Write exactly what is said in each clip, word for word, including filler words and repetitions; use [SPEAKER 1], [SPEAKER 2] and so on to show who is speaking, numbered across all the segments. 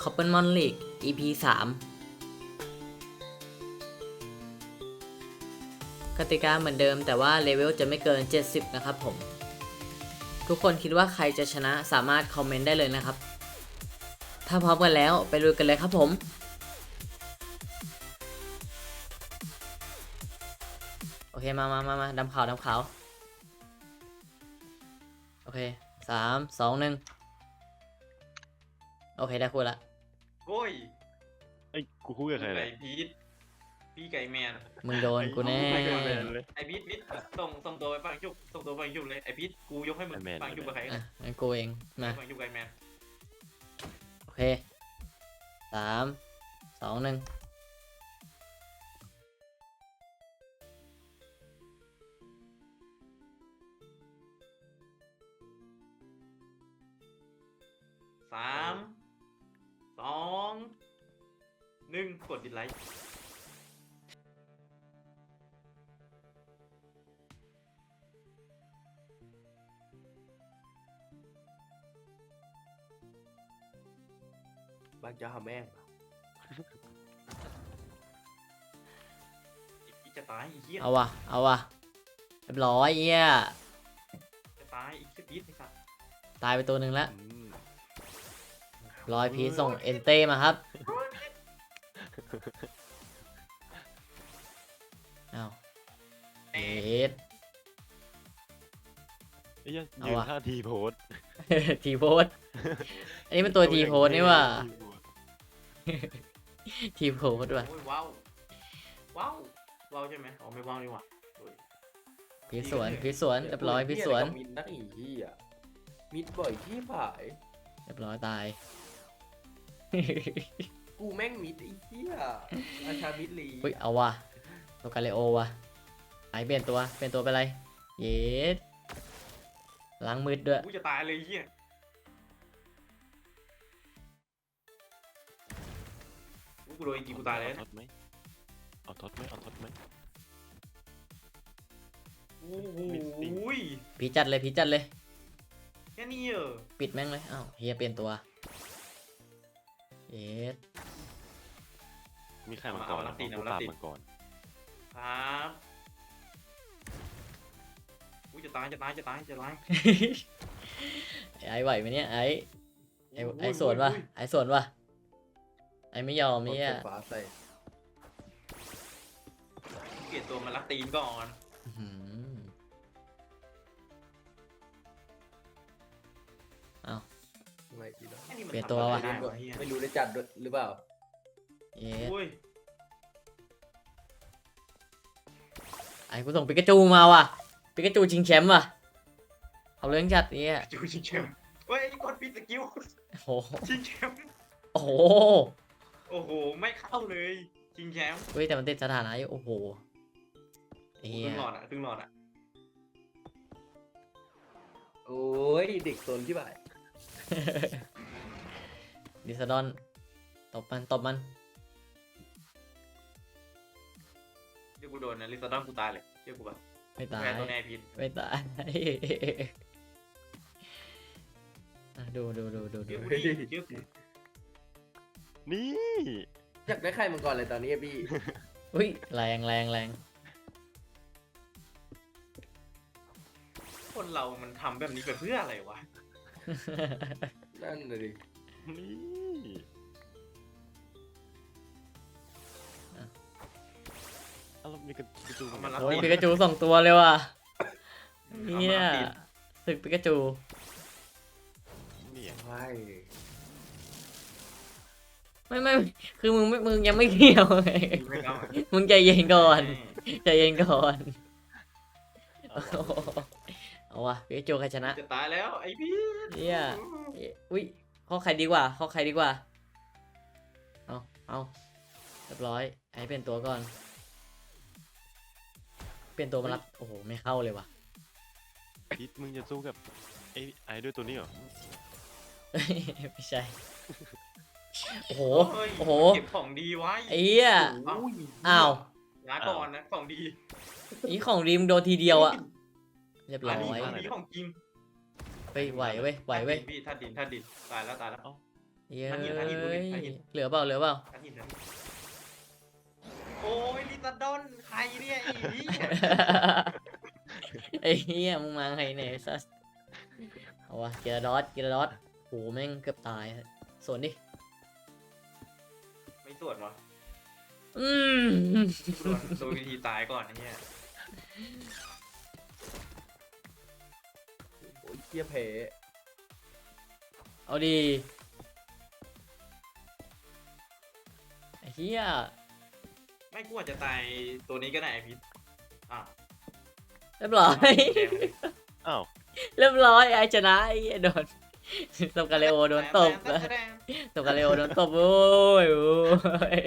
[SPEAKER 1] Coppelmon League อี พี สาม กติกาเหมือนเดิมแต่ว่าเลเวลจะไม่เกิน เจ็ดสิบ นะครับผม ทุกคนคิดว่าใครจะชนะสามารถคอมเมนต์ได้เลยนะครับ ถ้าพร้อมกันแล้วไปลุยกันเลยครับผม โอเค มามามามาดำขาวดำขาว โอเค สาม สอง หนึ่ง โอเค ได้คู่ละ
[SPEAKER 2] โอ้ย
[SPEAKER 3] ไอ้กูคุยกับใคร
[SPEAKER 2] ไก่
[SPEAKER 3] เนี่ย
[SPEAKER 2] พีทพี่ไก่แมน
[SPEAKER 1] มึงโดนกูแน่
[SPEAKER 3] ไอ้แมนเลย
[SPEAKER 2] ไอพีทพีทส่งส่งตัวไปฟังชุบส่งตัวไปฟังชุบเลยไอพีทกูยกให้มึง
[SPEAKER 3] ไอ้แมน
[SPEAKER 2] ฟังชุบกับใคร
[SPEAKER 1] อ่ะงั้นกูเอง มา
[SPEAKER 2] ฟังชุบไก่แมน
[SPEAKER 1] โอเค สาม สอง หนึ่ง
[SPEAKER 2] สามสองหนึ่งกดดิสไลค์
[SPEAKER 4] บางจะหาแม่ง
[SPEAKER 2] อีกจะตายอีกเหี้ย
[SPEAKER 1] เอาวะ เอาวะ เรียบร้อยเอี้ย
[SPEAKER 2] จะตายอีกแค่พีทไอ้สัตว์
[SPEAKER 1] ตายไปตัวหนึ่งแล้ว
[SPEAKER 3] อืม
[SPEAKER 1] ร้อยพีชส่งเอนเต้มาครับเอาเอ็ด
[SPEAKER 3] ไอ้เหี้ยัง
[SPEAKER 1] เอา
[SPEAKER 3] ยืน
[SPEAKER 1] วะ
[SPEAKER 3] ท่าทีโพส
[SPEAKER 1] ทีโพสอันนี้เป็นตัวทีโพสนี่ว่าทีโพสด้วย
[SPEAKER 2] โอ้ยว้าวว้าวว้าวใช่ไหมอ๋อไม่ว้าวนี่หว่าโอ้ย
[SPEAKER 1] พีชสวนพีชสวนเรียบร้อยพีชสวน
[SPEAKER 4] มิดนักอีที่อ่ะมิดบ่อยที่ผาย
[SPEAKER 1] เรียบร้อยตาย
[SPEAKER 4] กูแม่งมิดไอ้เหี้ยราชามิดลี
[SPEAKER 1] อุ้ยเอาวะตัวกาเลโอวะหายเปลี่ยนตัวเปลี่ยนตัวไปอะไรเย็ดล้างมืดด้วย
[SPEAKER 2] กูจะตายเลยไอ้เหี้ยกูโดนจริงกูตายเลย
[SPEAKER 3] เอาทดไหมเอาทดไหมเอาทดไหม
[SPEAKER 2] โอ้โห
[SPEAKER 1] พีชจัดเลยพีชจัดเลย
[SPEAKER 2] แค่นี้เหรอ
[SPEAKER 1] ปิดแม่งเลยอ้าวเฮียเปลี่ยนตัวเย็ด
[SPEAKER 3] มีใครมาก่อนแล้วกูตามมาก่อน
[SPEAKER 2] ครับกูจะตายจะตายจะตายจะตาย
[SPEAKER 1] ไอ้ไหวไหมเนี่ยไอ้ไอ้
[SPEAKER 2] โอ้ย
[SPEAKER 1] ไอ้สวนวะ
[SPEAKER 2] โอ้ย
[SPEAKER 1] ไอ้สวนวะไอ้ไม่ยอมเนี่ย
[SPEAKER 4] ฟ้าใส่
[SPEAKER 2] เปลี่ยนตัวมาลักตีนก่อน
[SPEAKER 1] อื้อหือเอา
[SPEAKER 4] ไม่ดีแล้ว
[SPEAKER 2] ไอ้นี่มัน
[SPEAKER 1] เปลี่ยน
[SPEAKER 2] ทำ
[SPEAKER 1] ตัว
[SPEAKER 2] อะไร
[SPEAKER 1] ว่ะ
[SPEAKER 2] ได้วะเฮีย
[SPEAKER 4] ไม่รู้ได้จัดด้วยหรือเปล่า
[SPEAKER 1] เย็ด
[SPEAKER 2] โอ้ย
[SPEAKER 1] ไอ้กูส่งปิกาจูมาว่ะปิกาจูชิงแชมป์ว่ะเอาเรื่องจัดเนี่ย
[SPEAKER 2] จูชิงแชมป์เฮ้ยไอ้นี่กดปิดสกิล
[SPEAKER 1] โอ้โห
[SPEAKER 2] ชิงแชมป์
[SPEAKER 1] โอ้โห
[SPEAKER 2] โอ้โหไม่เข้าเลยชิงแชมป์
[SPEAKER 1] เฮ้ยแต่มันติดสถานะอยู่โอ้โหเฮี
[SPEAKER 2] ครึ่
[SPEAKER 1] ย
[SPEAKER 2] งหลอดอ่ะครึ่งหลอดอ่ะ
[SPEAKER 4] โอ้ยเด็กโซนที่บ่าย
[SPEAKER 1] ดิสดอนตบมันตบมัน
[SPEAKER 2] เดี๋ยวกูโดนนะลิซาดอนกูตายเลยเดี๋ยวกูแบบ
[SPEAKER 1] ไม่ตาย
[SPEAKER 2] แพ้ตัวแน่พิษ
[SPEAKER 1] ไม่ตาย อ่ะดูดูดูดูดู
[SPEAKER 2] เดี๋ยวกูดิเดี๋ยวกู
[SPEAKER 3] นี่
[SPEAKER 4] อยากได้ใครมังกรเลยตอนนี้อะพี่
[SPEAKER 1] อุ้ยแรงแรงแรง
[SPEAKER 2] คนเรามันทำแบบนี้ไปเพื่ออะไรวะ
[SPEAKER 4] นั่นเลยดิ
[SPEAKER 3] นี่เอาแล้วมีกระกระจู
[SPEAKER 2] เอามารับ
[SPEAKER 1] โอ้ยปิกาจูสองตัวเลยว่ะเนี่ยศึกปิกาจู
[SPEAKER 3] เนี่ย
[SPEAKER 4] ใช่
[SPEAKER 1] ไม่ไม่คือมึงไม่มึงยังไม่เกี่ยวไง
[SPEAKER 2] ไม่เอา
[SPEAKER 1] มึงใจเย็นก่อนใจเย็นก่อนโอ้โหเอาวะปิกาจูใครชนะ
[SPEAKER 2] จะตายแล้วไอ้พี่
[SPEAKER 1] เนี่ยอุ้ยข้อใครดีกว่าข้อใครดีกว่าเอาเอาเรียบร้อยไอ้เปลี่ยนตัวก่อนเปลี่ยนตัวมารับโอ้โหไม่เข้าเลยว่ะ
[SPEAKER 3] พิษมึงจะสู้กับไอ้ไอ้ด้วยตัวนี้เหรอ
[SPEAKER 1] ไม่ใช่โอ้โห
[SPEAKER 2] เฮ้ย
[SPEAKER 1] โอ้โห
[SPEAKER 2] เก็บของดีไว้
[SPEAKER 1] ไอ้เหี้ย
[SPEAKER 2] เอ้า
[SPEAKER 1] อ้าว
[SPEAKER 2] ลาก่อนนะของดี
[SPEAKER 1] นี่ของดีมโดนทีเดียวอะเรียบร้
[SPEAKER 2] อั
[SPEAKER 1] อน
[SPEAKER 2] นี้
[SPEAKER 1] ย
[SPEAKER 2] ของดีของจริง
[SPEAKER 1] เฮ้ยไหวเว้ยไหวเว้ย
[SPEAKER 2] พี่ท่าดินท่าดินตายแล้วตายแล้ว
[SPEAKER 3] เอ้า
[SPEAKER 1] เย้ย
[SPEAKER 2] ทันหินทันหินดูดิทันหิน
[SPEAKER 1] เหลือเปล่าเหลือเปล่า
[SPEAKER 2] ทันหินทันหินโอ้ยลิซาดอนใครเนี่ยไอ้นี่
[SPEAKER 1] ไอ้เหี้ยมึงมาไงเนี่ยไอ้สัสเอาวะเกียร์ดอสเกียร์ดอสโหแม่งเกือบตายสวนดิ
[SPEAKER 2] ไม่ตรวจวะ
[SPEAKER 1] อืม
[SPEAKER 2] ตรวจโดยวิธีตายก่อนไอ้เนี่ย
[SPEAKER 4] โอ้ยเหี้ยเพ
[SPEAKER 1] เอาดีไอ้เหี้ย
[SPEAKER 2] ไม่กลัวจะตายตัวนี้ก็ได้ไอพิษอ่ะ
[SPEAKER 1] เรียบร้อย
[SPEAKER 2] แดงเลย
[SPEAKER 3] อ้าว
[SPEAKER 1] เรียบร้อยไอ้ชนะไอ้เหี้ยโดนตบกาเลโอโดนตบ
[SPEAKER 2] แดงแดง
[SPEAKER 1] ตบกาเลโอโดนตบโอ้ยโอ้ย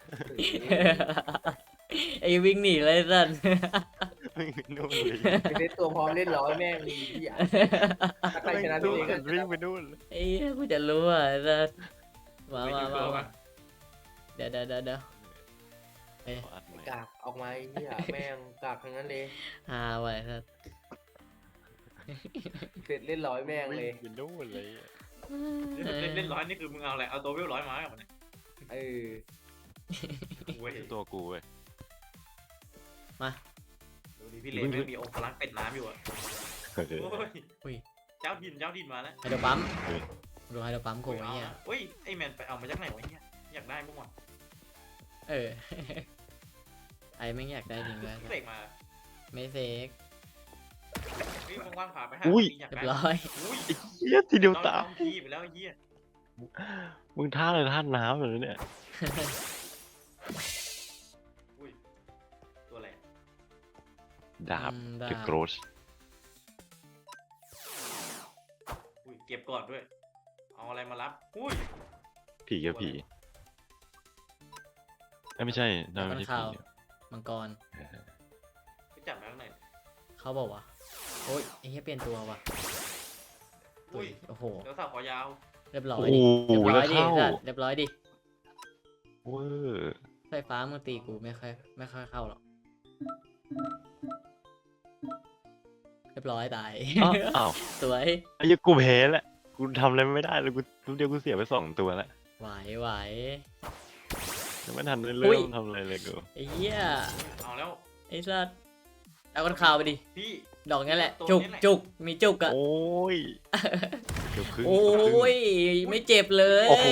[SPEAKER 1] ไอ้วิ่งหนีเลยสัน
[SPEAKER 3] วิ่งไปนู่นเลย
[SPEAKER 4] ไอ้เล่นตัวพร้อมเล่นร้อยแม่งมีที่อ่ะถ้าใครชนะตัวเองก็ช
[SPEAKER 3] วิ่ง
[SPEAKER 4] นะ
[SPEAKER 3] ไปนู่นเลย
[SPEAKER 1] ไอ้เหี้ยกูจะรู้อ่ะสันมา
[SPEAKER 2] ไม่
[SPEAKER 1] มา
[SPEAKER 2] ดู
[SPEAKER 1] มา
[SPEAKER 2] ตัว
[SPEAKER 1] มา
[SPEAKER 2] วะ
[SPEAKER 1] เดี๋ยวเดี๋ยวเดี๋ยวเดี๋ยว
[SPEAKER 3] ขออัดใหม่
[SPEAKER 4] กากออกมาไอ้เหี้ยแม่งกากทั้งนั้นเลย
[SPEAKER 1] ฮาไว้สัน
[SPEAKER 4] เสร็จเล่นร้อยแม่งเลย
[SPEAKER 3] วิ่งไปนู่นเลย
[SPEAKER 2] เล่นเล่นร้อยนี่คือมึงเอาอะไรเอาตัวเวลร้อยมากับมันเนี่ย
[SPEAKER 4] เออ
[SPEAKER 2] เว้ย
[SPEAKER 3] ตัวกูเว้ย
[SPEAKER 1] มา
[SPEAKER 2] ดูดิพี่เล็กไม่มีองค์พลังเป็ดน้ำอยู่อ่ะ
[SPEAKER 3] เออ
[SPEAKER 2] โอ้ย
[SPEAKER 1] อุ้ย
[SPEAKER 2] เจ้าดินเจ้าดินมาแล้ว
[SPEAKER 1] ไฮโดรปั๊ม
[SPEAKER 3] เฮ้ย
[SPEAKER 1] ดูไฮโดรปั๊มกูไอ้เหี้ย
[SPEAKER 2] เฮ้ยไอแมนไปเอามาจากไหนวะเนี่ยอยากได้บ้างวะ
[SPEAKER 1] เออ ไอ้ไม่งอยากได้จริงเลย
[SPEAKER 2] พี่เล็กมา
[SPEAKER 1] ไม่เฟก
[SPEAKER 2] พี่ว่างๆพาไปหา
[SPEAKER 3] อุ้ย
[SPEAKER 2] อยาก
[SPEAKER 1] เรีย
[SPEAKER 2] ได้
[SPEAKER 1] บร้อย
[SPEAKER 2] อุ้ย
[SPEAKER 3] เหี้ยทีเดียว
[SPEAKER 2] น้
[SPEAKER 3] ตาย
[SPEAKER 2] องทีไปแล้วไอ้เหี้ย
[SPEAKER 3] มึงท่าเลยท่าน้ำเลยเนี่ย
[SPEAKER 2] อุ้ยตัวอะไร
[SPEAKER 3] ดาบ
[SPEAKER 1] อืมดา
[SPEAKER 3] เดอะ
[SPEAKER 1] บ
[SPEAKER 3] โกรส
[SPEAKER 2] อุ้ยเก็บก่อนด้วยเอาอะไรมารับอุ้ย
[SPEAKER 3] ผีกับผีเอ้ยไม่ใช่นั่น
[SPEAKER 1] มั
[SPEAKER 3] ไม่
[SPEAKER 1] น
[SPEAKER 3] ใช่
[SPEAKER 1] ข่าว
[SPEAKER 3] ผี
[SPEAKER 1] มังกร
[SPEAKER 2] ไปจับมาข้างใน
[SPEAKER 1] เขาบอกว่าโอ้ยไอ้เหี้ยเปลี่ยนตัวว่ะ
[SPEAKER 2] อุ้ย
[SPEAKER 1] โอ้โห
[SPEAKER 2] เดี๋ยวสาวขอยาว
[SPEAKER 1] เรียบร้อ
[SPEAKER 3] โอ้
[SPEAKER 1] ย
[SPEAKER 3] โห
[SPEAKER 1] ดิเรียบร้
[SPEAKER 3] แล้
[SPEAKER 1] อ
[SPEAKER 3] วย
[SPEAKER 1] ดิ
[SPEAKER 3] เข้า
[SPEAKER 1] สัตว์เรียบร้อยดิ
[SPEAKER 3] เวอร์
[SPEAKER 1] ไฟฟ้ามึงตีกูไม่ค่อยไม่ค่อยเข้าหรอกเรียบร้อยตาย
[SPEAKER 3] อ้าวอ้าว
[SPEAKER 1] สวย
[SPEAKER 3] ไอ้เหี้ยกูแพ้แหละกูทำอะไรไม่ได้เลยกูทุกเดียวกูเสียไปสองตัวแล้ว
[SPEAKER 1] ไหวไหว
[SPEAKER 3] ยังไม่ทันได้
[SPEAKER 1] อุ้
[SPEAKER 3] เริ่
[SPEAKER 1] ย
[SPEAKER 3] มทำอะไรเลยกู
[SPEAKER 1] ไอ้เหี้ย
[SPEAKER 2] เอาแล้ว
[SPEAKER 1] ไอ้สัตว์เอาคนข่าวไปดิ
[SPEAKER 2] พี่
[SPEAKER 1] ดอกนี้แหละ
[SPEAKER 2] ตัว
[SPEAKER 1] จุก
[SPEAKER 2] นี้แหละ
[SPEAKER 1] จุกมีจุกอะ
[SPEAKER 3] โอ้ยเกือบครึ่ง
[SPEAKER 1] โอ้
[SPEAKER 3] เกือบครึ่ง
[SPEAKER 1] ยไม่เจ็บเลย
[SPEAKER 3] โอ้โห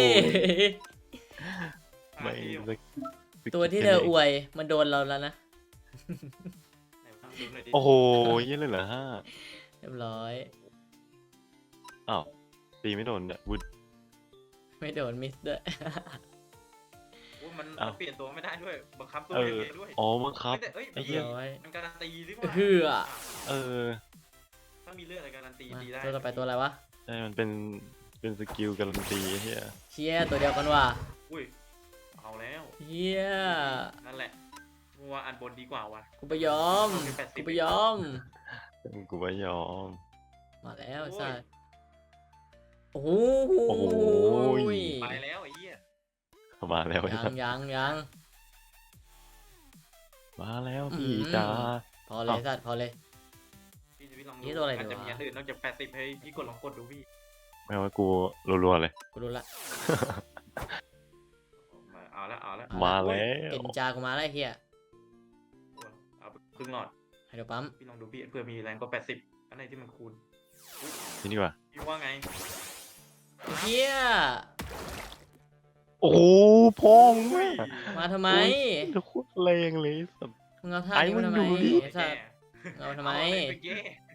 [SPEAKER 2] หา
[SPEAKER 3] ไม่
[SPEAKER 2] ที่อยู่
[SPEAKER 3] สัก
[SPEAKER 1] ตัวที่เธออวยมันโดนเราแล้วนะ
[SPEAKER 2] ไหนทำดูหน่อยดิ
[SPEAKER 3] โอ้โหเยี่ยเลยเหรอฮะ
[SPEAKER 1] เรียบร้อย
[SPEAKER 3] อ้าวตีไม่โดนเนี่ยวุด
[SPEAKER 1] ไม่โดนมิสด้วย
[SPEAKER 2] โอ้ยมัน
[SPEAKER 3] อ้าว
[SPEAKER 2] มันเปลี่ยนตัวไม่ได้ด้วยบังคับตัว
[SPEAKER 3] เอ
[SPEAKER 2] เอ
[SPEAKER 3] อง
[SPEAKER 2] เองด้วย
[SPEAKER 3] อ๋อมั้งครับ
[SPEAKER 2] แต่เอ้ย
[SPEAKER 3] ไอ้เหี้
[SPEAKER 1] เรี
[SPEAKER 3] ย
[SPEAKER 1] ยบร้อย
[SPEAKER 2] มันการันตีดีก
[SPEAKER 1] เฮื
[SPEAKER 2] ว่า
[SPEAKER 1] อ
[SPEAKER 3] เออ
[SPEAKER 2] ถ้ามีเลือดอะไรการันตี
[SPEAKER 1] มา
[SPEAKER 2] ตีได้
[SPEAKER 1] ตัวต่อไปตัวอะไรวะ
[SPEAKER 3] ใช่มันเป็นเป็นสกิลการันตีไอ้เฮีย
[SPEAKER 1] เชียตัวเดียวกันว่ะ
[SPEAKER 2] อุ้ยเอาแล้ว
[SPEAKER 1] เฮีย
[SPEAKER 2] นั่นแหละมัวอันบนดีกว่าว่ะ
[SPEAKER 1] กูไปยอม กูไปยอม
[SPEAKER 3] กูไม่ยอม
[SPEAKER 1] มาแล้ว
[SPEAKER 2] โอ้ย
[SPEAKER 1] สัสโอ้โห
[SPEAKER 3] โอ้โห
[SPEAKER 2] ไปแล้วไอ้เหี้ย
[SPEAKER 3] มาแล้วไอ้
[SPEAKER 1] ยั
[SPEAKER 3] สั
[SPEAKER 1] ง
[SPEAKER 3] ส
[SPEAKER 1] ยังยัง
[SPEAKER 3] มาแล้ว
[SPEAKER 1] อืม
[SPEAKER 3] พี่จ้า
[SPEAKER 1] พอเลยสัตว์พอเลย
[SPEAKER 2] พี่จะพี่ลองดู
[SPEAKER 1] นี่ตัวอะไร
[SPEAKER 2] อาจจะ
[SPEAKER 1] ดีวะ
[SPEAKER 2] มีอันอื่นนอกจากแปดสิบให้พี่กดลองกดดูพี่
[SPEAKER 3] ไม่ว่ากูรัวๆเลย
[SPEAKER 1] กูรู้ละ
[SPEAKER 2] เอาละเอาละ
[SPEAKER 1] เอ
[SPEAKER 3] มา
[SPEAKER 1] ละ
[SPEAKER 3] แล้ว
[SPEAKER 1] เอ็นจากูมาแล้วไอ้เฮีย
[SPEAKER 2] เอาไปครึ่งหลอด
[SPEAKER 1] ไฮโดรปั๊ม
[SPEAKER 2] พี่ลองดูพี่เพื่อมีแรงกว่าแปดสิบอันไหนที่มันคูณ
[SPEAKER 3] นี่ดีกว่า
[SPEAKER 2] พี่ว่าไง
[SPEAKER 1] ไอ้เฮีย
[SPEAKER 3] โอ้โหพ่อมึง
[SPEAKER 2] อุ้ย
[SPEAKER 3] อะ
[SPEAKER 1] มาทำไม
[SPEAKER 3] โอ้โหโคตรแรงเลยสัส
[SPEAKER 1] มึงเอาท่า
[SPEAKER 3] ไอ้
[SPEAKER 1] นี้มาทำไม
[SPEAKER 3] มึงดูดิ
[SPEAKER 1] ไอ้สัตว์เอามาทำไม
[SPEAKER 2] เอาปแย่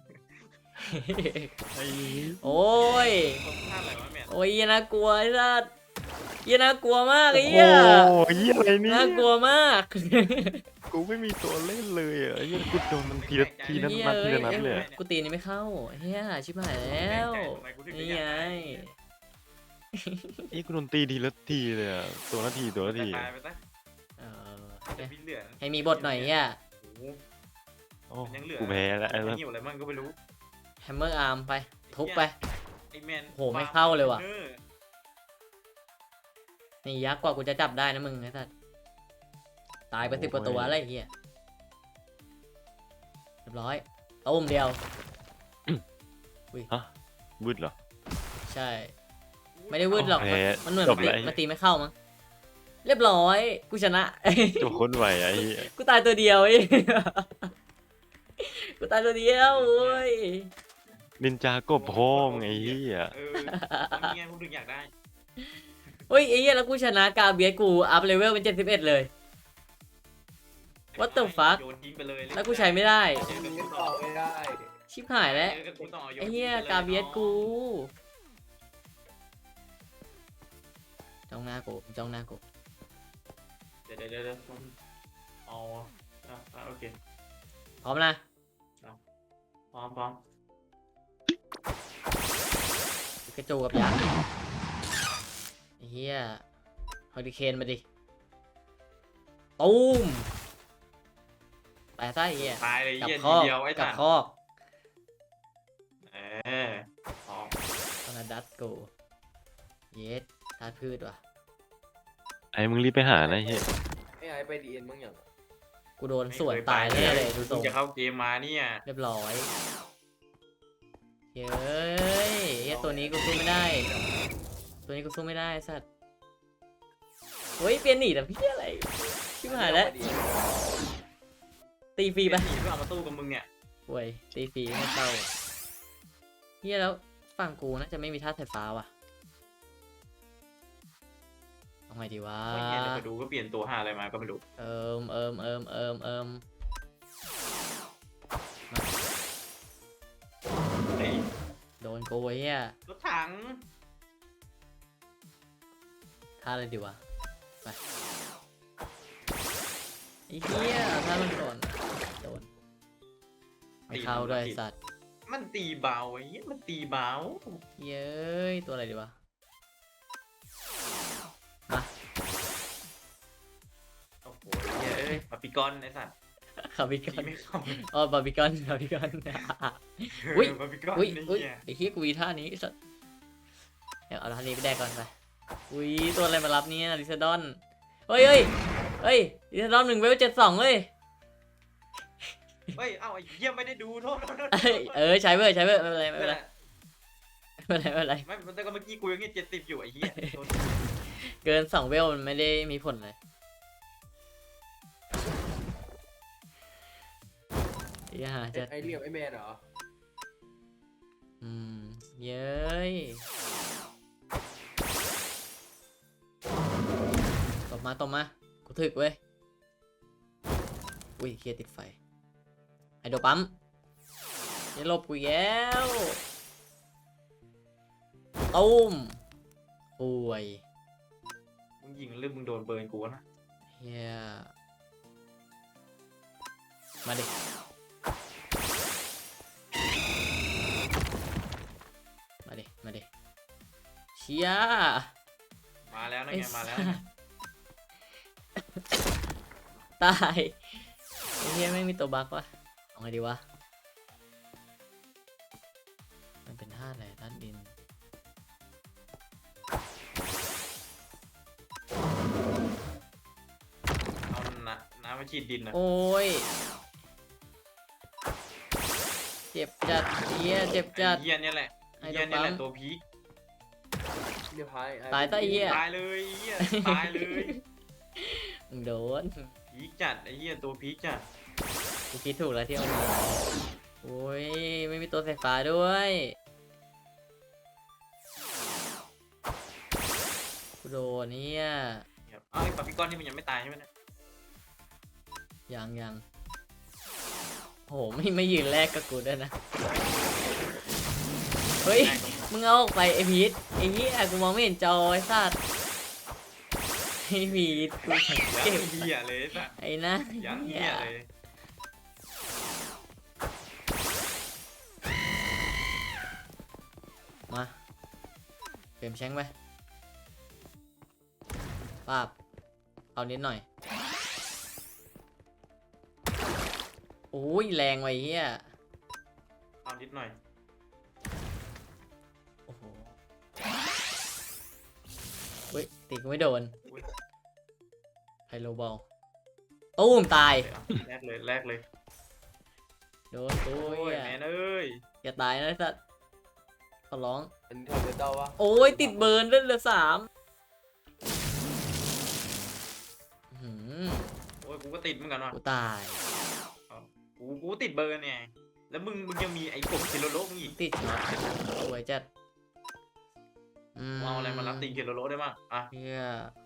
[SPEAKER 3] ไอ้
[SPEAKER 1] โอ้ย
[SPEAKER 2] ผมท่าอะไรวะแม่
[SPEAKER 1] โอ้ยเหี้ยน่ากลัวไอ้สัตว์เหี้ยน่ากลัวมาก
[SPEAKER 3] โอ้
[SPEAKER 1] ไอ้
[SPEAKER 3] โห
[SPEAKER 1] เหี้ย
[SPEAKER 3] เหี้ยอะไรเนี่ย
[SPEAKER 1] น่ากลัวมาก
[SPEAKER 3] กูไม่มีตัวเล่นเลยอ่ะไอ้เหี้ยกูโดนมันทีละทีละ
[SPEAKER 1] เหี้ย
[SPEAKER 3] นัดที
[SPEAKER 1] เอ้ย
[SPEAKER 3] ละนัดเลยอะ
[SPEAKER 1] กูตีนี่ไม่เข้าเฮียชิบหายแล้ว
[SPEAKER 2] ทำไมกูถึง
[SPEAKER 1] นี่
[SPEAKER 2] อยาก
[SPEAKER 1] ไง
[SPEAKER 2] ได้
[SPEAKER 3] ไอ้กูโดนตีทีละทีเลยอ่ะตัวละทีตัวละที
[SPEAKER 2] ตายไปซะ
[SPEAKER 1] เออ
[SPEAKER 2] แต่พี่เหลือ
[SPEAKER 1] ให้มีบทหน่อยเฮีย
[SPEAKER 2] โอ้โห
[SPEAKER 3] โอ้
[SPEAKER 2] มันยังเหลือ
[SPEAKER 3] กูแพ้แล้วไอ้
[SPEAKER 2] ไอ้
[SPEAKER 3] สัส
[SPEAKER 2] หิวอะไรมั่งก็ไม่รู้
[SPEAKER 1] แฮมเมอร์อาร์มไป ทุบไป
[SPEAKER 2] ไอ้แมน
[SPEAKER 1] โหไม่เข้าเลยว่ะ
[SPEAKER 2] ออ
[SPEAKER 1] นี่ยักษ์กว่ากูจะจับได้นะมึงไอ้สัตว์ตายไปสิบกว่าตัวอะไรเฮียเรียบร้อยตุ้มเดียว
[SPEAKER 3] ฮะวืดเหรอ
[SPEAKER 1] ใช่
[SPEAKER 2] อ
[SPEAKER 1] ไม่ได้วืดหรอก
[SPEAKER 3] แพ้
[SPEAKER 1] มันเหมือน
[SPEAKER 3] จ
[SPEAKER 1] มั
[SPEAKER 3] บ
[SPEAKER 1] นตี
[SPEAKER 3] แล้ว
[SPEAKER 1] มันตีไม่เข้ามั้งเรียบร้อยกูชนะ
[SPEAKER 3] จบโคนไหวไอ้เหี้ย
[SPEAKER 1] กูตายตัวเดียวไอ้ กูตายตัวเดียวโอ้ย
[SPEAKER 3] นินจากบพ้องไอ้เหี้ย
[SPEAKER 2] เออมันนี่ไงพวกถึงอยากได้
[SPEAKER 1] เฮ้ยไอ้เหี้ยแล้วกูชนะกาเบียสกูอัพเลเวลเป็นเจ็ดสิบเอ็ดเลย What the fuck
[SPEAKER 2] โยนทิ้งไปเลย
[SPEAKER 1] แล้วกูใช้ไม่ได้
[SPEAKER 2] เจอกับ
[SPEAKER 4] เล่
[SPEAKER 2] กู
[SPEAKER 4] น
[SPEAKER 2] ต่
[SPEAKER 4] ต่
[SPEAKER 2] อ
[SPEAKER 4] อไม่ได้
[SPEAKER 1] ชิบหายแล้ว
[SPEAKER 2] เจอกับกูต่อโน
[SPEAKER 1] ไอ้เหี้ย
[SPEAKER 2] ทิ้งไปล
[SPEAKER 1] กาเบียสกู
[SPEAKER 2] น้อง
[SPEAKER 1] จ้องหน้ากูจ้องหน้ากู
[SPEAKER 2] เดี๋ยวเดี๋ยวเดี๋ยวเดี๋ยวเอาอ่ะอ่ะโอเค
[SPEAKER 1] พร้อมนะ
[SPEAKER 2] พร้อมพร้อม
[SPEAKER 1] กระจูกับยักษ์ไอ้เหี้ยเฮอริเคนมาดิตูมตายซะไอ้เหี้ย
[SPEAKER 2] ตายเลย
[SPEAKER 1] กลับ
[SPEAKER 2] เหี้ย
[SPEAKER 1] ค
[SPEAKER 2] ที
[SPEAKER 1] อก
[SPEAKER 2] เดียวไอ้
[SPEAKER 1] กลั
[SPEAKER 2] สั
[SPEAKER 1] บ
[SPEAKER 2] ตว์
[SPEAKER 1] คอก
[SPEAKER 2] เออพร้อม
[SPEAKER 1] ตอนนั้นดัตกูเยสธาตุพืชว่ะ
[SPEAKER 3] ไอ้มึงรีบไปหานะไอ้เหี้ย
[SPEAKER 4] ไอ้ไอ้ไปดีเอ็นมึงอย่าง
[SPEAKER 1] กูโดนสวนตายแน่เลยดูท
[SPEAKER 2] มึ
[SPEAKER 1] รง ง
[SPEAKER 2] จะเข้าเกมมาเนี่ย
[SPEAKER 1] เรียบร้อยเย้ยเหี้ยตัวนี้กูสู้ไม่ได้ ตัวนี้กูสู้ไม่ได้ไอ้สัตว์เฮ้ยเปลี่ยนหนีแต่พี่อะไรชิบหายแล้ว ตีฟรีไป
[SPEAKER 2] หนีเพื่อเอามาตู้กับมึงเนี่ย
[SPEAKER 1] โว้ยตีฟรีไม่เข้าเฮียแล้วฝั่งกูน่าจะไม่มีท่าสายฟ้าว่ะเอาไงดีวะ
[SPEAKER 2] ไอ้เหี้ยเดี๋ยวไปดูก็เปลี่ยนตัวหาอะไรมาก็ไม่รู้
[SPEAKER 1] เอิมเอิมเอิมเอิมเอิม
[SPEAKER 2] ไอ้
[SPEAKER 1] โดนกูไอ้เฮีย
[SPEAKER 2] รถถัง
[SPEAKER 1] ท่าอะไรดีวะไปไอ้เฮียท่ามันโดนโดนไม่เข้าด้วยไอ้สัตว์
[SPEAKER 2] มันตีเบาไอ้เหี้ยมันตีเบา
[SPEAKER 1] เย้ยตัวอะไรดีวะมา
[SPEAKER 2] โอ้โหเหี้ยเอ้ยมาปีกอนไอ้สัตว์
[SPEAKER 1] คาร์บิค
[SPEAKER 2] ตี
[SPEAKER 1] อน
[SPEAKER 2] ไม่เข้า
[SPEAKER 1] อ๋อบาร์บีคอนบาร์บีคอน อุ๊ย
[SPEAKER 2] เมาปีกอน
[SPEAKER 1] อุ้ย
[SPEAKER 2] ไอ้
[SPEAKER 1] อุ้ย
[SPEAKER 2] เหี้ย
[SPEAKER 1] ไอ้เฮียกูมีท่านี้ไอ้สัตว์เดี๋ยวเอาท่านี้ไปแดกก่อนไปอุ้ยตัวอะไรมารับเนี่ยลิซาดอนเฮ้ยเฮ้ยเฮ้ยลิซาดอนหนึ่งเวลเจ็ดสองเลย
[SPEAKER 2] เฮ้ยเอ้าไอ้เหี้ยไม่ได้ดูโทษโทษโทษ
[SPEAKER 1] เอ้ยเออใช้เว้ยใช้เว้ยไม่เป็นไรไม่
[SPEAKER 2] ไม่
[SPEAKER 1] เป็น
[SPEAKER 2] เป็น
[SPEAKER 1] ไร
[SPEAKER 2] ไร
[SPEAKER 1] ไม่เป็นไรไม่เป็นไร
[SPEAKER 2] ไม่แต่ก็เมื่อกี้กูยังเจ็ดสิบอยู่ไอ้เหี้ยโทษ
[SPEAKER 1] เกินสองเวลมันไม่ได้มีผลเลยอย่าจะ
[SPEAKER 4] ไอ้เหลี่ยมไอ้แมนเหรอ
[SPEAKER 1] อืมเย้ยตบมาตบมากูถึกเว้ยอุ้ยเคลียร์ติดไฟไอโดปั๊มอย่าหลบกูอีกแล้วตุ้มป่วย
[SPEAKER 2] มึงยิงหรือมึงโดนเบิร์นกูนะ
[SPEAKER 1] เฮียมาดิมาดิมาดิเชีย
[SPEAKER 2] มาแล้วนะ
[SPEAKER 1] ไอ้
[SPEAKER 2] ไงมาแล้ว
[SPEAKER 1] สั
[SPEAKER 2] นะ
[SPEAKER 1] สตว์ตายไอ้เฮียไม่มีตัวบั๊กวะเอาไงดีวะมันเป็นธาตุอะไรธาตุดิน
[SPEAKER 2] เอาน้ำน้ำมาฉีดดินนะ
[SPEAKER 1] โอ้ยเจ็บจัดเฮียเจ็บจัด
[SPEAKER 2] ไอ้เหี้ยเนี่ยแหละ
[SPEAKER 1] ไอ้
[SPEAKER 2] ไอ้
[SPEAKER 1] โด
[SPEAKER 2] เหี้ยเนี่ยแหละ
[SPEAKER 1] ปั๊ม
[SPEAKER 2] ตัวพีค
[SPEAKER 4] เรียบร้อย
[SPEAKER 1] ตายซะไอ้เหี้ย
[SPEAKER 2] ตายเลยไอ้เหี้ยตายเลย
[SPEAKER 1] มึงโดน
[SPEAKER 2] พีคจัดไอ้เหี้ยตัวพีคจัด
[SPEAKER 1] กูคิดถูกแล้วที่เอามาโอ้ยไม่มีตัวไฟฟ้าด้วยกูโดนเนี่ย
[SPEAKER 2] ครับเอ้าไอ้ปาปิกอนนี่มันยังไม่ตายใช่ไหมเนี่ย
[SPEAKER 1] ยังยังโหไม่ไม่ยืนแรกกับกูด้วยนะ เฮ้ย
[SPEAKER 2] ได้ตรง
[SPEAKER 1] มึงเอาออกไปไอพีทไอเหี้ยกูมองไม่เห็นจอไอ้สัตว์ไอพีทกู
[SPEAKER 2] ยัง
[SPEAKER 1] เก็บ
[SPEAKER 2] เหี้ยเลยสัส
[SPEAKER 1] ไอ้นะ
[SPEAKER 2] ยัง
[SPEAKER 1] เหี้
[SPEAKER 2] เหี้
[SPEAKER 1] ย
[SPEAKER 2] ยเลย
[SPEAKER 1] มาเปลี่ยนแชงไปป้าบเอานิดหน่อยโอ้ยแรงไว้เฮีย
[SPEAKER 2] เอานิดหน่อย
[SPEAKER 1] โอ้โหเฮ้ยตีกูไม่โดน
[SPEAKER 2] อุ๊ย
[SPEAKER 1] ไฮโลบอลตู้มตาย
[SPEAKER 2] แรกเลยแรกเลย
[SPEAKER 1] โดนกู
[SPEAKER 2] โอ้ย
[SPEAKER 1] เฮีย
[SPEAKER 2] แมนเอ้ย
[SPEAKER 1] อย่าตายนะไอ้สัตว์ขอร้อง
[SPEAKER 4] อันนี้ทำเบต้าวะ
[SPEAKER 1] โอ้ยติดเบิร์นเล่นเหลือสามอื้อหือ
[SPEAKER 2] โอ้ยกูก็ติดเหมือนกันว่ะ
[SPEAKER 1] กูตาย
[SPEAKER 2] กูกูติดเบอร์เนี่ยแล้วมึงมึงยังมีไอ้กบเคโลโลมึงอีก
[SPEAKER 1] ติดช็อตสวยจัด
[SPEAKER 2] มึงเอาอะไรมารับตีเคโลโลได้บ้างอ่ะ
[SPEAKER 1] เฮีย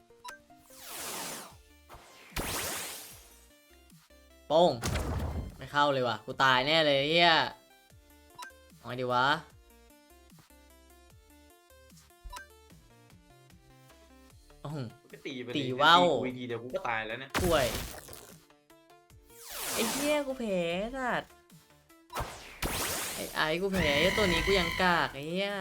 [SPEAKER 1] โป้งไม่เข้าเลยว่ะ กูตายแน่เลยเฮียเอาไงดีวะโอ้โห
[SPEAKER 2] ก็ตีไป
[SPEAKER 1] ตีว่าว
[SPEAKER 2] กูอีกทีเดี๋ยวกูก็ตายแล้วเนี่ย
[SPEAKER 1] ป่วย ไอ้เหี้ยกูแพ้สัตว์ไอ้ไอ้กูแพ้ไอ้ตัวนี้กูยังกากไอ้เหี้ย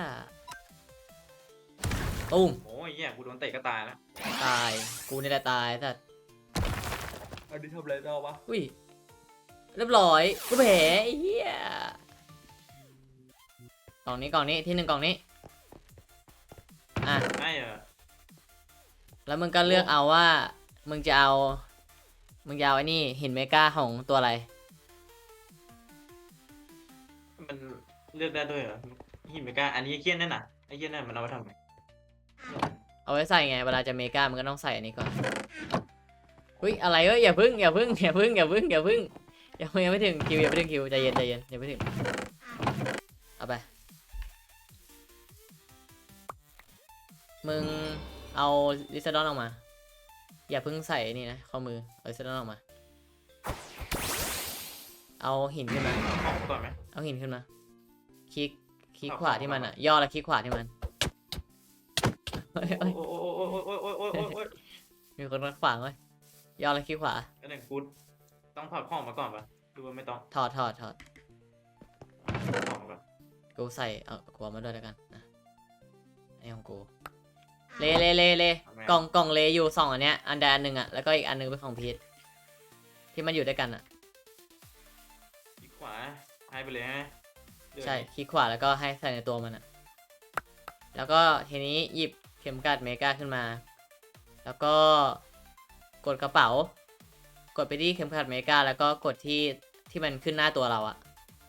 [SPEAKER 1] ตุ้ม
[SPEAKER 2] โอ้ยเหี้ยกูโดนเตะก็ตายแล้ว
[SPEAKER 1] ตายกูนี่แหละตายสัตว์
[SPEAKER 4] อันนี้ทำอะไรได้วะ
[SPEAKER 1] อุ้ยเรียบร้อยกูแพ้ไอ้เหี้ยกล่องนี้กล่องนี้ที่หนึ่งกล่องนี้อ่ะ
[SPEAKER 2] ไม่เออ
[SPEAKER 1] แล้วมึงก็เลือกเอาว่ามึงจะเอามึงจะเอาไอ้นี่หินเมกาของตัวอะไร
[SPEAKER 2] มันเลือกได้ด้วยเหรอหินเมกาอันนี้ไอ้เคี้ยนนั่นน่ะไอ้เคี้ยนนั่นมันเอาไว้ทำไง
[SPEAKER 1] เอาไว้ใส่ไงเวลาจะเมกามันก็ต้องใส่อันนี้ก่อนอุ้ยอะไรเอ้ยอย่าพึ่งอย่าพึ่งอย่าพึ่งอย่าพึ่งอย่าพึ่งยังยังไม่ถึงคิวยังไม่ถึงคิวใจเย็นใจเย็นยังไม่ถึงเอาไปมึงเอาลิซาดอนออกมาอย่าเพึ่งใส่นี่นะข้อมือเอาลิซาดอนออกมาเอาหินขึ้นมา
[SPEAKER 2] ออกก่อนไหม
[SPEAKER 1] เอาหินขึ้นมาคลิกคลิก
[SPEAKER 2] เอา
[SPEAKER 1] ขวาที่มันอ่ะย่อแล้วคลิกขวาที่มันเฮ้ยเฮ้ย
[SPEAKER 2] โอ้โอ้โอ้โอ้โอ้โอ้โอ้โอ้โอ้โอ้
[SPEAKER 1] มีคนมาขวางเว้ยย่อแล้วคลิกขวา
[SPEAKER 2] อันหนึ่งกูต้องถอดของมาก่อนปะดูว่าไม่ต้อง
[SPEAKER 1] ถอดถอดถอด
[SPEAKER 2] ถอดของมาก่อน
[SPEAKER 1] กูใส่เอากูเอามาด้วยแล้วกันนะอันนี้ของกูเลเลเลเลกล่องกล่องเลอยู่สองอันเนี้ยอันใดอันหนึ่งอ่ะแล้วก็อีกอันหนึงเป็นของพีทที่มันอยู่ด้วยกันอ่ะ
[SPEAKER 2] อีกขวาให้ไปเลยฮะเดือด
[SPEAKER 1] ใช่คลิกขวาแล้วก็ให้ใส่ในตัวมันอ่ะแล้วก็ทีนี้หยิบเข็มกัดเมกาขึ้นมา แล้วก็กดกระเป๋ากดไปที่เข็มขัดเมกาแล้วก็กดที่ที่มันขึ้นหน้าตัวเราอะ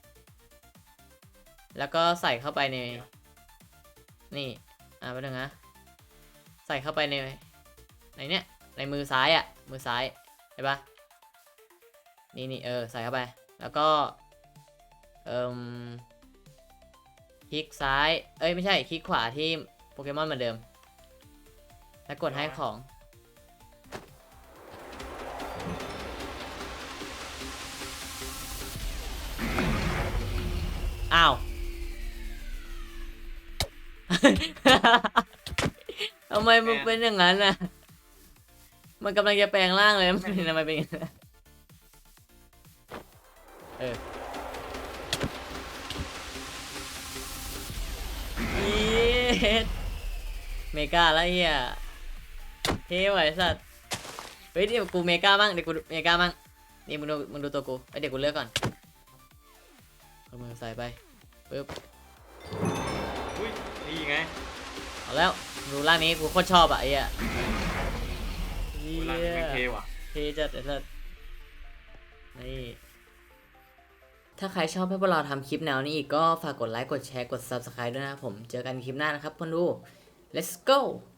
[SPEAKER 1] แล้วก็ใส่เข้าไปในนี่อ่ะไปหนึ่งนะใส่เข้าไปในในเนี้ยในมือซ้ายอะมือซ้ายเห็นปะนี่นี่เออใส่เข้าไปแล้วก็เอ่มคลิกซ้ายเอ้ยไม่ใช่คลิกขวาที่โปเกมอนเหมือนเดิมแล้วกดให้ของอ้าว ทำไมมันเป็นอย่างนั้นน่ะ มันกำลังจะแปลงร่างเลยมันทำไมเป็นอย่างนั้นเออเย็ดเมกาแล้วเฮียเท่ไหวสัตว์เฮ้ยเดี๋ยวกูเมกาบ้างเดี๋ยวกูเมกาบ้างนี่มึงดูมึงดูตัวกูไอเดี๋ยวกูเลือกก่อนเอามือใส่ไปปึ๊บ
[SPEAKER 2] อุ้ยนี่ไง
[SPEAKER 1] เอาแล้วดูร่างนี้กูโคตรชอบอ่ะไอ้เหี้ย
[SPEAKER 2] เวลาเป็นเทว่ะ
[SPEAKER 1] เทจัดไอ้สัสนี่ ถ้าใครชอบให้พวกเราทำคลิปแนวนี้อีกก็ฝากกดไลค์ กดแชร์ กด ซับสไครบ์ ด้วยนะครับผม เจอกันคลิปหน้านะครับคนดู let's go